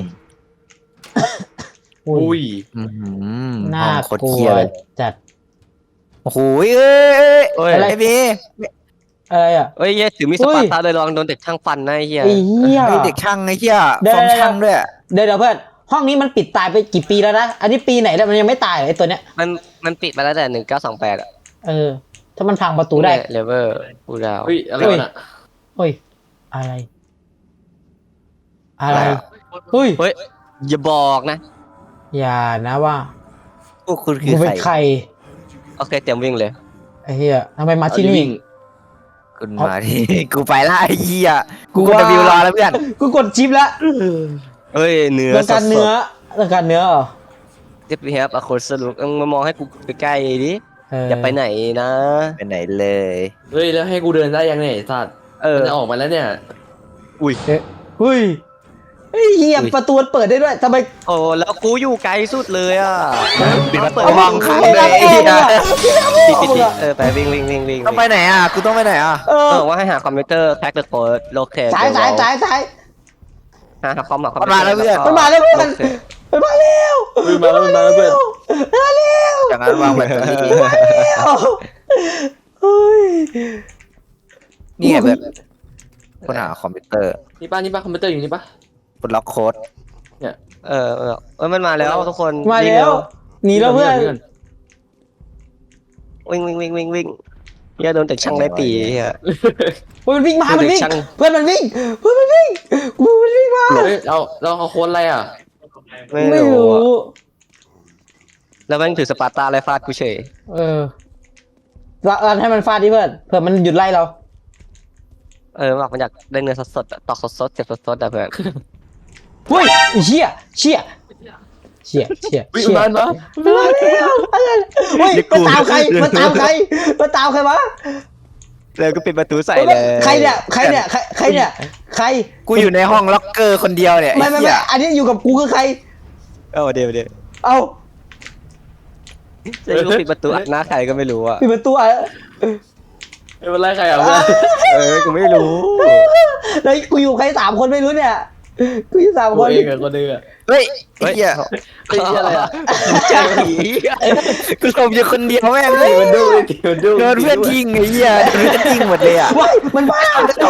อุ้ย
อืม
น่า
ห้องโคตร
กลั
เคียว เลย
จัด
โอ้โหเอ้ยเอ้ย
เอ้ย
อะไร
ไอ้บี
อะไรอะ
เอ้ยเหี้ยถือมีดสปาร์ตาเลยลองโดนเด็กช่างฟันนะไอ้เหี้ย
ไอ้เหี้ย
ไอ้เด็กช่างไอ้เหี้ย
เดี๋ยว
ฟอร์มช่างด้วย
เดี๋ยวเดี๋ยวเพื่อนห้องนี้มันปิดตายไปกี่ปีแล้วนะ อันนี้ปีไหนแล้วมันยังไม่ตายเหรอไอ้ตัวเนี้ย
มันมันปิดมาแล้วแต่หนึ่งเก้าสองแปดอ่ะ
เออ ถ้ามันพังประตูได้
เลเวอร์กูดาว
เฮ้ยอะไรวะน่ะ
เฮ้ย อะไร อะไรเฮ้ย
เฮ้ยอย่าบอกนะ
อย่านะว่า
พวกคุณคื
กู
อ
เป็น
ใคร
ใคร
โอเคเตรียมวิ่งเลย
ไอ้เหี้ยทำไมมาที่นี่
คุณมาที่ กูไปละไอ้เหี้ยกู
กู
กด
ว่า
วิวรอแล้วเพื่อน
กูกดชิปแล้ว
เฮ้ยเนื้อ
ต้องการเนื้อต้องการเนื้อเหรอ
เจ็บเฮียบอะคนสรุปมึงมามองให้กูใกล้ๆดิ
เออ
อย่าไปไหนนะ
ไปไหนเลย
เฮ้ยแล้วให้กูเดินได้ยังไงไอ้สัตว์
เออ
มันจะออกมาแล้วเนี่ย
อุ้ย
เฮ้ยเฮ้ยไอ้เหี้ยประตูมันเปิดได้ด้วยทำไม
โอ้แล้วกูอยู่ไกลสุดเลยอ่ะ
ปิดประตู
เอา
ห้องขังเลย
ไอ้
ไอ้เหี้ย
ปิดปิดปิดเออไปวิ่งวิ่งวิ่งวิ่ง
ต้องไปไหนอ่ะกูต้องไปไหนอ่ะ
เอ
เอ
อ
อว่าให้หาคอมพิวเตอร์แพ็คเดอะโค้ดโลเคท
สายสายสายสาย
หาคอมหาคอม
มันมาแล้วเพื่อนมันมาแล้วเพื่อน มันมาเร็ว
เฮ้ยมาแล้วมาแล้วเพื่อน
มาเร็ว
จากนั้นวางแบตเตอรี่
มาเร็วเฮ้ย
นี่ไงเพื่อนคนหาคอมพิวเตอร์
นี่ป้านี่ป้าคอมพิวเตอร์อยู่นี่ป้า
คนล็อกโค้ด
เออเออเออมันมาแล้วทุกคน
มาแล้วหนีแล้วเพื่อน
วิ่งวิ่งวิ่งวิ่งวิ่งเฮียโดนเด็กช่างไล่ตีเฮีย
เฮ้ยมันวิ่งมา
เพื่อน
มันวิ่ง
เด็กช่าง
เพื่อนมันวิ่งเพื่อนมันวิ่งกูมันวิ่งมา
เฮ้ยเราเราเอาโค้ดอะไรอ่ะ
ไม่
ไม่
รู้
รู้
อะแล้วแม่งถือสปาร์ตาไล่ฟาดกูเฉย
เออเราเราให้มันฟาดดิเพื่อนเผื่อมันหยุดไล่เรา
เออบอกมันอยากได้เนื้อสดๆอะตอกสดๆเจ็บสดๆอะเพื่อน
เฮ้ยไอ้เชี่ยเชี่ยเชี่ยเชี่ย
วิ่ง
เชี่ย
มาเนาะ
มาแล้วอะไรเฮ้ยมาตามใครมาตามใครมาตามใครวะ
แล้วก็ปิดประตูใส่เลย
ใครเนี่ยใครเนี่ยใครใครเนี่ยใคร
กูอยู่ในห้องล็อกเกอร์คนเดียวเนี่ย
ไม่ไม่
เหี้
ไม่
ย
อันนี้อยู่กับกูคือใคร
เอาเดี๋ยวเดี๋ยว
เอา
จะรู้ปิดประตูอัดหน้าใครก็ไม่รู้อะ
ปิดประตูอ่ะ
ไม่เป็นไรใครอ่ะเพื่อน
เออกูไม่รู้
แล้วกูอยู่ใครสามคนไม่รู้เนี่ยกูอยู่สาม
ตั
ค
วน เองกับคนเดือ
เฮ้ยไอ้เหี้ย
ไอ้เหี้ยอะไรอ่ะ
เจ้าผี
กูชมอยู่คนเดียวแม่งเล
เฮ้ย
ย
มันดูดิมันดู
โดนเพื่อนทิ้งไอ้เหี้ยโดนเพื่อนทิ้งหมดเลยอ่ะ
ว้ายมันบ้า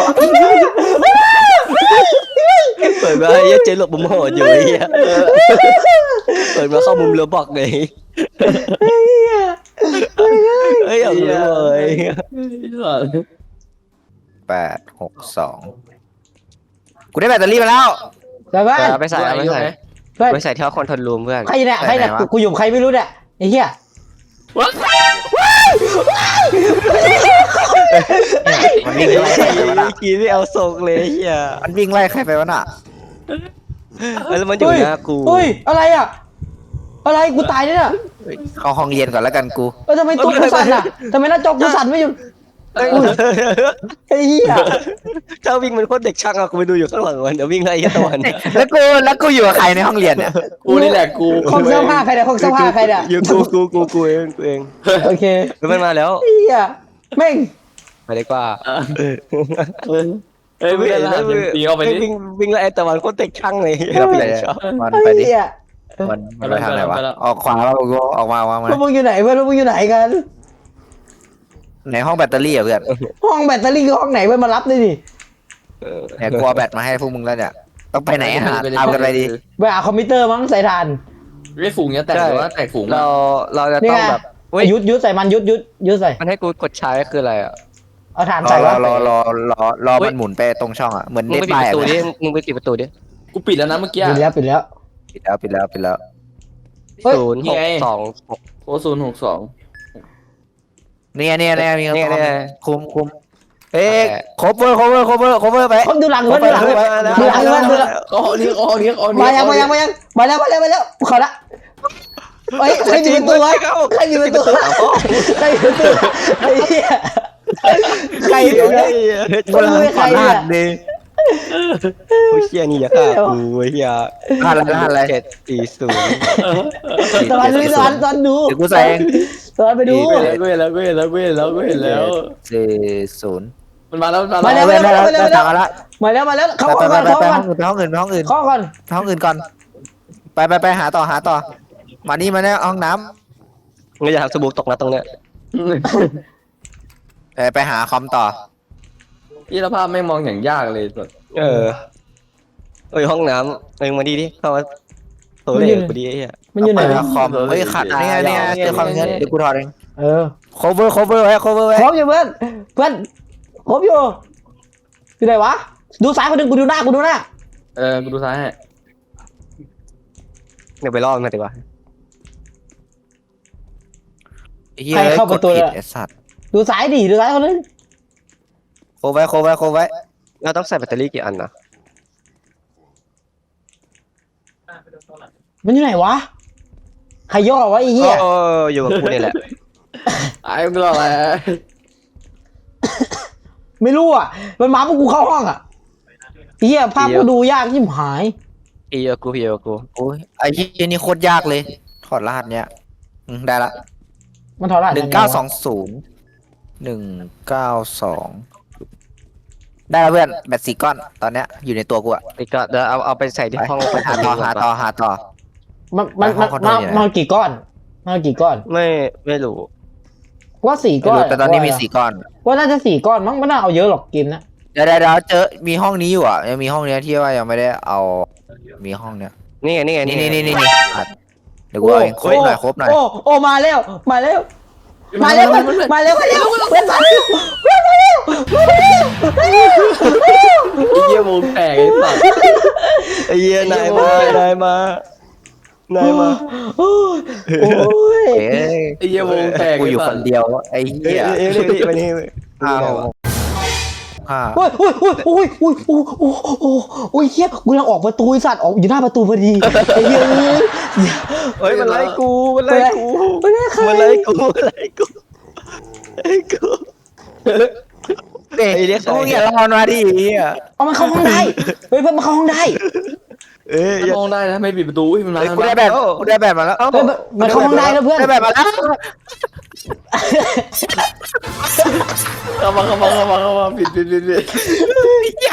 เปิดมาไอ้เหี้ยเจ๊หลบมุมโหดอยู่ไอ้เหี้ยเปิดมาเข้ามุมเรือบอกเลยเฮ้ยเอาเลย
แปดหกสองกูได้แบตเตอรี่มาแล้ว
แต่ว่า
ไปใส่เอาไปใส่
เพื่อน
ไปใส่ที่ห้องคอนโทรลรูมเพื่อน
ใครเนี่ยใครเนี่ย
ไหนวะ
กูอยู่กับใครไม่รู้เนี่ยไอ้เหี้ย
มันวิ่งไล่ใครไปวะน่ะ
กี้ไม่เอาส่งเลยเฮีย
มันวิ่งไล่ใครไปวะน่ะ
แล้วมันอยู่หน้ากู
เฮ้ยอะไรอ่ะอะไรกูตายเนี่ย
เข้าห้องเย็นก่อนแล้วกันกู
เออทำไมตัวกูสั่นอ่ะทำไมหน้าจอกูสั่นไม่หยุดไอ้เหี้ย
เจ้าวิ่งมันโคตรเด็กช่างอะกูไปดูอยู่ข้างหลังมันเดี๋ยววิ่งไล่ไอ้ตะวัน
แล้วกูแล้วกูอยู่กับใครในห้องเรียนเนี่ย
กูนี่แหละกู
คงเสื้อผ้าใครเนี่ยคงเสื้อผ้าใครเนี่ย
อยู่กูกูกูกูเองกูเอง
โอเค
แล้วมันมาแล้ว
ไอ้เหี้ยแม่ง
ไปดีกว่า
เฮ้ยไม่ได้ละตีเข้าไปดิ
วิ่งวิ่งไล่ไอ้ตะวันโคตรเด็กช่างเลย
เราไปไหนมันไปดิ
ไอ้เหี้ย
มันมันไปทางไหนวะออกขวาแล้วกูออกมาออกมา
พวกมึงอยู่ไหนเพื่อนพวกมึงอยู่ไหนกัน
ในห้องแบตเตอรี่อ่ะเพื่อน
ห้องแบตเตอรี่คือห้องไหนเพื่อนมารับด้วยดิ
เนี่ยกูเอาแบตมาให้พวกมึงแล้วเนี่ยต้องไปไหนหาตามกันไปดิ
ไปหาคอมพิวเตอร์มั้งใส่ทาน
ไม่ฝูงเนี่ยแตกหรือว่าแตกฝูง
เราเราจะ
นี่
ต้อง
ไง
แบบ
ไอ้ยุดยุดใส่มันยุดยุดยุดใส่
มันให้กูกดใช้คืออะไรอ่ะ
เอาฐาน
รอ
ใส่
รอ
วะ
รอรอรอรอมันหมุนไปตรงช่องอ่ะเหมือน
มึ
เน็
ง
ต
ไปปิด
บาย
ประตูดิ
อ่ะ
มึงไปปิดประตูดิ
กูปิดแล้วนะเมื่อกี้
ปิดแล้วปิดแล้ว
ปิดแล้วปิดแล้วปิดแล้ว
เฮ้ย
ศูนย์หกสองหก
โอ้ศูนย์หกสอง
เนี่ยเนี่ยเนี่ยมี
เนี่ยเนี่ย
คุมคุมเอ๊ะ cover cover cover cover ไป
คนดูหลังเพื่อนดูหลัง
ไป
ดูหลังเพื่อนดูหลัง
อ๋อเนี้ยอ๋อเนี้ยอ๋อเนี้
มายังมายังมายังมาแล้วมาแล้วมาแล้วขอละเฮ้ยใครมีประตูวะใครมีประตูใครมีประตูไอ้เหี้ยใครเนี่ย
กูหลังขวาหน้าดิ
โอ้ยเฮียนี่อย่าฆ่ากูเฮีย
รหัสอะไรรหัสอะไร
เจ็ดสี่ศูนย์
ตอนนี้ตอนตอนดู
เดี๋ยวกูใส่เอง
ตอนไปดู
กูเห็นแล้วกูเห็นแล้วกูเห็นแล้วกูเห็นแล้วกูเห็นแล้ว
สี่ศูนย์
มันมาแล้วมัน
มา
มา
แล้
แล้ว ว
ไปแล้วไปแล้วละ
มาแล้วมาแล้วเข้า
ไป
ก่อน
ไป
เข้า
ไป
ก่อน
ไปห้องอื่นไปห้องอื่นไปห้องอื่น
เข้าก่อน
ไปห้องอื่นก่อนไปไปไปหาต่อหาต่อมานี่มาเนี่ยห้องน้
มึงอย่าทำสบู่ตกนะตรงเนี้ย
ำเออไปหาคอมต่อ
ยี่ภาพไม่มองอย่างยากเลยสุด
เออเอ้ยห้องน้ำเอ้ยมาดีดิเข้ามาโถเล่กูดีไอ้เหี้ย
มันอยู่ไหน
ไปหาคอมเฮ้ยขัดเนี่ยเนี่ยเจอคอมเงี้ยเดี๋ยวกูถอดเอง
เออ
cover cover ไว้ cover ไว้
ครบอยู่เพื่อนเพื่อนครบอยู่อยู่ไหนวะดูซ้ายคนหนึ่งกูดูหน้ากูดูหน้า
เออกูดูซ้ายให้
เดี๋ยวไปล่อมันมาดีกว่า
ใครเข้าประตู
กดผิด
อะ
ไอ้สัตว์
ดูซ้ายดิดูซ้ายคนนึง
โคไว้โคไว้โคไว้
เราต้องใส่แบตเตอรี่กี่อันนะ
มันอยู่ไหนวะใครย่อวะไอ้เหี้ย
โอ้อยู่กับกูนี่แหละ
ไอ้มึงรออะไร
ไม่รู้อ่ะมันมาพวกกูเข้าห้องอ่ะไอ้เหี้ยภาพกูดูยากที่หาย
พี่กับกูพี่กับกู
โอ้ยไอ้ที่นี่โคตรยากเลยถอดรหัสเนี้ยอืมได้ละ
มันถอดรหัส
หนึ่งเก้าสองศูนย์หนึ่งเก้าสองได้แล้วเพื่อนแบตสี่ก้อนตอนเนี้ยอยู่ในตัวกูอะ
อีกก็เดี๋ยวเอาเอาไปใส่ที่
ไป
ห้อง
ไปหาต่อหาต่อหาต่อ
มันมัน
ไปห้
มั
อน งคอนโทร
มา
ลอยู่ไหน
มากี่ก้อนมากี่ก้อน
ไม่ไม่รู้
ว่าสี่
ไม่
ก้อน
รู้แต่ตอนนี้มีสี่ก้อน
ว่าน่าจะสี่ก้อนมั้งไม่น่าเอาเยอะหรอกเกมนะ
เดี๋ยวเดี๋ยวเดี๋ยวเจอมีห้องนี้อยู่อ่ะยังมีห้องเนี้ยที่ว่ายังไม่ได้เอามีห้องเนี้ย
นี่ไงนี่ไง
นี่นี่นี่นี่นี่อ่ะเดี๋ยวกูเอาเองครบหน่อยครบหน่อย
โอ้โอ้มาแล้วมาแล้วมาแล้วมาแล้วมาแล้วมาแล้วเพื่อนมาแล้วเพื่อนมาแล้วมาแล้วมาแล้ว
ไอ้เหี้ยวงแตกไอ้สัตว์
ไอ้เหี้ยนายมานายมานายมา
โอ้ย
เอ้ย
ไอ้เหี้ยวงแตก
กูอยู่
ไสั
ค
ต
น
ว์
เดียวไอ้
เอ้ย
เหี้ย
เอ้ยเอ้ยเอ้ยมานี่
อ้าวห้า
โอ้ยโอ้ยโอ้ยโอ้ยโอ้ยโอ้ยโอ้ยโอ้ยโอ้ยเฮียกูกำลังออกประตูไอ้สัตว์ออกอยู่หน้าประตูพอดีไอ้เหี้ย
เฮ้ยมันไล่กูมันไล่กู
ไม่ได้ใคร
มันไล่กูมันไล่กูไล่กู
เด็ก
ไอ้เด็ก
กูอย่ารอนมาดิเหี้ย
เอามันเข้าห้องได้เฮ้ยเพื่อนมันเข้าห้องได้
เอ้ยอย่าม
องได้นะไม่ปิดประตูอุ้ยมันมา
เฮ้ย
มัน
กู
มา
ได้แบบกูได้แบบมาแล้ว
เฮ้ยมันมันเข้าห้องได้แล้วเพื่อน
ได้แบบมาแล้ว
เข้ามาเข้ามาเข้ามาเข้ามาปิดปิดปิดปิด
อย่า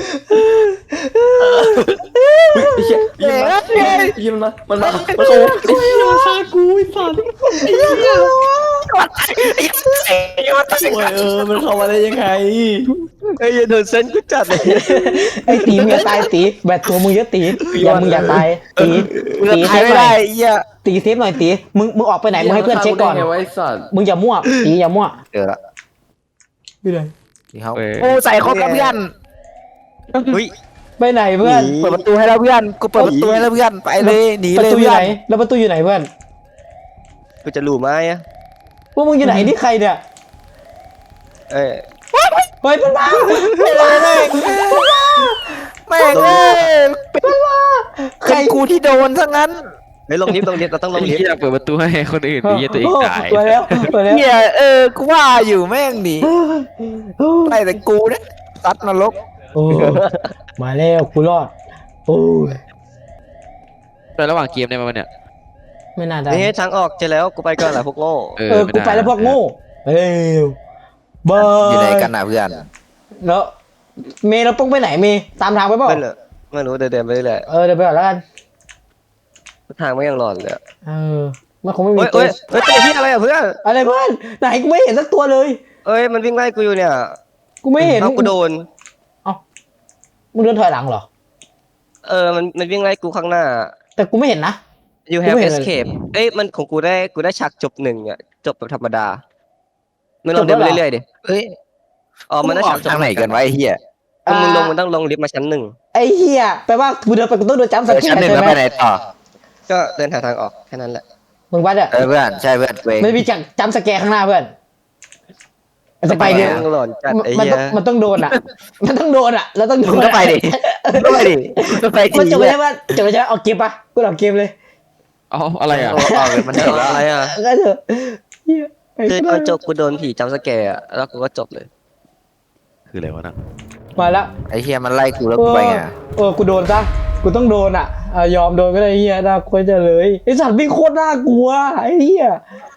อุ้ยไอ้เหี้ยไอ้เหี้ยมันมาไอ้เหี้ยมันมามันมามันเข้าไอ้เหี้ยมันฆ่ากูไอ้สัตว์
ไอ้เหี้ยไอ้เหี้ยมันตาย
โอ้ยเออมันเข้ามาได้ยังไง
ไอ้เหี้ยโดนเส้นกูจัดเลย
ไอ้ตีมึงอย่าตายตีแบตตัวมึงเยอะตีอย่ามึงอย่าตายตี
กูจะ
ตีเซ
ตาย
ฟ
ไม่
หน่
ได้
อย
ไอ้เหี้ย
ตีเซฟหน่อยตีมึงมึงออกไปไหนมึงให้เพื่อนเช็คก่อน
ไงวะไอ้สัตว์
มึงอย่ามั่วตีอย่ามั่ว
เจอละ
ไปไหน
นี่เขา
เว้ย
โอ้ใส่ครบแล้วเพื่อน
เฮ้ย
ไปไหนเพื่อน
เปิดประตูให้แล้วเพื่อนกูเปิดประตูให้แล้วเพื่อนไปเลยหนี
ประ
เลย
ตูอยู่
เพื่อ
ไหน
น
แล้วประตูอยู่ไหนเพื่อน
กูจะรู้ไหมอะ
พวกมึงอยู่ไหนนี่ใครเนี่ย
เอ้ย
เฮ้ยมันมามันมา
แม่งแม่งเอ้ยใครกูที่โดนซะงั้น
เฮ้ยลงลิฟต์ลงลิฟต์เราต้องล
ไอ้
งลิฟ
เหี้ย
ต์
เปิดประตูให้คนอื่นไอ้เหี้ยตัวเองตาย
ไปแล้วไปแล้ว
เหี้ยเออกูว่าอยู่แม่งหนีไล่แต่กูเนี่ยซัดนรก
โอ้มาแล้วกูรอดโอ้ย
แต่ระหว่างเกมได้ไหมวะเนี่ย
ไม่น่าได้
นี่ทางออกเจอแล้วกูไปก่อนแหละพวกโง่
เอ
เออ
ม่
กู
ด้
ไปแล้วพวกโง่เอ้ยบา
อยู่ไหน
ย
กันนะเพื่อน
แล้วเมย์เราต้องไปไหนเมย์ตามทางไปเปล่า
ไม่เลยไม่รู้เดินเดินไปเรื่อย
เออเดี๋ยวไปก่อนแล้วกัน
ๆทางไม่ยังหลอนเลยอะ
เออมันคงไม่มี
เฮ้ย
ตัว
เฮ้ยเฮ้ยตัวเหี้ยอะไรอ่ะเพื่อน
อะไรเพื่อนไหนกูไม่เห็นสักตัวเลย
เอ้ยมันวิ่งไล่กูอยู่เนี่ย
กูไม่เห็น
เอากูโดน
มึงเดินถอยหลังเหรอ
เออมันมันวิ่งไล่กูข้างหน้า
แต่กูไม่เห็นนะ
you
กู
have
ไม่เห็นเลย
escape เอ้ยมันของกูได้กูได้ฉากจบหนึ่งอ่ะจบแบบธรรมดามึงลอง
จ
เดิ
บ
น
แล้ว
ไป
เหรอ
เรื่อยๆดิ
เฮ้ย
อ๋อมันได้
ออ
ฉาก
ก
จบ
ทางไหนกันวะไอ้เหี้ย
ถ้ามึงลง
อ่า
มึงต้องลงลิฟต์มาชั้นหนึ่ง
ไอ้เหี้ยแปลว่ากูเดินไปกูต้องโดนจัมป์ส
เออ
แก
ชั้น
ร์
หนึ่ง
ใช่
แล้ว
ไหม
ไปไหนต่อ
ก็เดินหาทางออกแค่นั้นแหละ
มึงวัดอะ
เออเพื่อนใช่เพื่อนเวง
มันมีจักจัมป์สแกร์ข้างหน้าเพื่อนมันจะไป
ไป
เนี่ย
มึงหลอนจัดไอ้
มัน
เหี้
ต้อย งมันต้องโดนอะมันต้องโดนอะแล้วต้องโด
มึง
น
ก็
อะ
ไปดิมึงก็ไปดิมึงก็ไป
มัน
ดิ
จบไปใช่ปะจบไปใช่ปะเอาเกมปะกูเอาเกมเลย
เอ๋ออะไรอ่ะ
เอาเอาเลยมันจบแล้ว
อะไรอ่ะ
ก็เถอะเหี้ยไป
คือ
ก็
ตอน
ได้
จบกูโดนผีจำสแกร์อะแล้วกูก็จบเลย
คืออะไรวะน่ะ
มาแล้ว
ไอ้เหี้ยมันไล่กูแล้วกูไปไง
เออกูโดนซะกูต้องโดนอะอ่ะยอมโดนก็ได้เฮียน่ากลัวจะเลยไอสัตว์วิ่งโคตรน่ากลัวไอ้เฮีย